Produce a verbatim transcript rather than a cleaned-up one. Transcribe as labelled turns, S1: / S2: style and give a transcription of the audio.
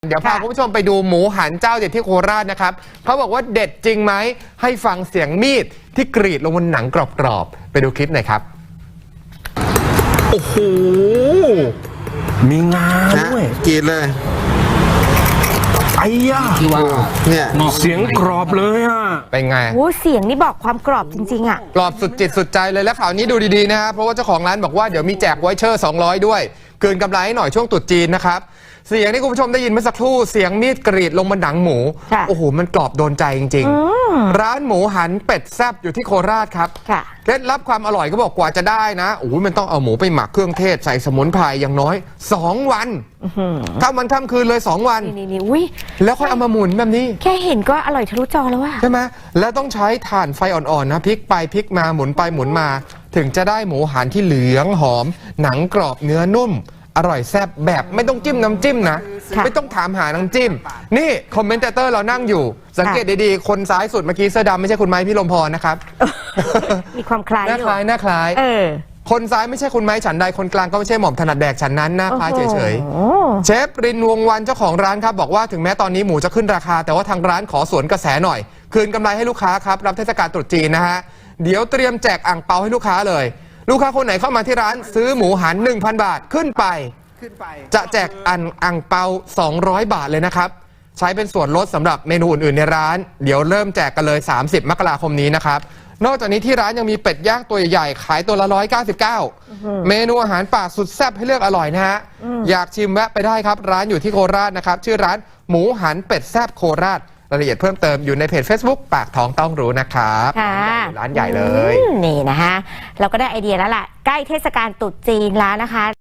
S1: เดี๋ยวพาคุณผู้ชมไปดูหมูหันเจ้าเด็ดที่โคราชนะครับเขาบอกว่าเด็ดจริงไหมให้ฟังเสียงมีดที่กรีดลงบนหนังกรอบๆไปดูคลิปหน่อยครับ
S2: โอ้โหมีงาด้วย
S3: กรีดเลย
S2: ไอ้ย่า
S3: ที่ว่าเนี่ย
S2: เสียงกรอบเลยอ่ะ
S1: เป็นไง
S4: โอ้เสียงนี่บอกความกรอบจริงๆอ่ะ
S1: กรอบสุดจิตสุดใจเลยและข่าวนี้ดูดีๆนะครับเพราะว่าเจ้าของร้านบอกว่าเดี๋ยวมีแจกไวเชอร์สองร้อยด้วยคืนกำไรให้หน่อยช่วงตรุษจีนนะครับเสียงที่คุณผู้ชมได้ยินเมื่อสักครู่เสียงมีดกรีดลงบนหนังหมูโอ้โหมันกรอบโดนใจจริงๆร้านหมูหันเป็ดแซ่บอยู่ที่โคราชครับเคล็ดลับความอร่อยก็บอกกว่าจะได้นะโอ้โหมันต้องเอาหมูไปหมักเครื่องเทศใส่สมุนไพรอย่างน้อยสองวันข้ามวันข้ามคืนเลยสองวัน
S4: นี่อุ้ย
S1: แล้วค่อยเอามาหมุนแบบนี้
S4: แค่เห็นก็อร่อยทะลุจอแล้วว่ะ
S1: ใช่ไหมแล้วต้องใช้ถ่านไฟอ่อนๆนะพลิกไปพลิกมาหมุนไปหมุนมาถึงจะได้หมูหันที่เหลืองหอมหนังกรอบเนื้อนุ่มอร่อยแซ่บแบบไม่ต้องจิ้มน้ำจิ้มนะไม่ต้องถามหาน้ำจิ้มนี่คอมเมนเตอร์เรานั่งอยู่สังเกตดีๆคนซ้ายสุดเมื่อกี้เสื้อดำไม่ใช่คุณไม้พี่ลมพรนะครับ
S4: มีความคล้าย
S1: หน้าคล้ายหน้าคล้ายคนซ้ายไม่ใช่คุณไม้ฉันใดคนกลางก็ไม่ใช่หม่อมถนัดแดกฉันนั้นหน้าคล้ายเฉยๆเชฟรินวงวันเจ้าของร้านครับบอกว่าถึงแม้ตอนนี้หมูจะขึ้นราคาแต่ว่าทางร้านขอสวนกระแสหน่อยคืนกำไรให้ลูกค้าครับรับเทศกาลตรุษจีนนะฮะเดี๋ยวเตรียมแจกอ่างเปาให้ลูกค้าเลยลูกค้าคนไหนเข้ามาที่ร้านซื้อหมูหัน หนึ่งพัน บาทขึ้นไปจะแจกอันอ่างเปาสองร้อยบาทเลยนะครับใช้เป็นส่วนลดสำหรับเมนูอื่นๆในร้านเดี๋ยวเริ่มแจกกันเลยสามสิบมกราคมนี้นะครับนอกจากนี้ที่ร้านยังมีเป็ดย่างตัวใหญ่ๆขายตัวละหนึ่งร้อยเก้าสิบเก้าเมนูอาหารป่าสุดแซ่บให้เลือกอร่อยนะฮะอยากชิมแวะไปได้ครับร้านอยู่ที่โคราชนะครับชื่อร้านหมูหันเป็ดแซ่บโคราชรายละเอียดเพิ่มเติมอยู่ในเพจ Facebook ปากท้องต้องรู้นะครับร้านใหญ่เลย
S4: นี่นะฮะเราก็ได้ไอเดียแล้วแหละใกล้เทศกาลตรุษจีนแล้วนะคะ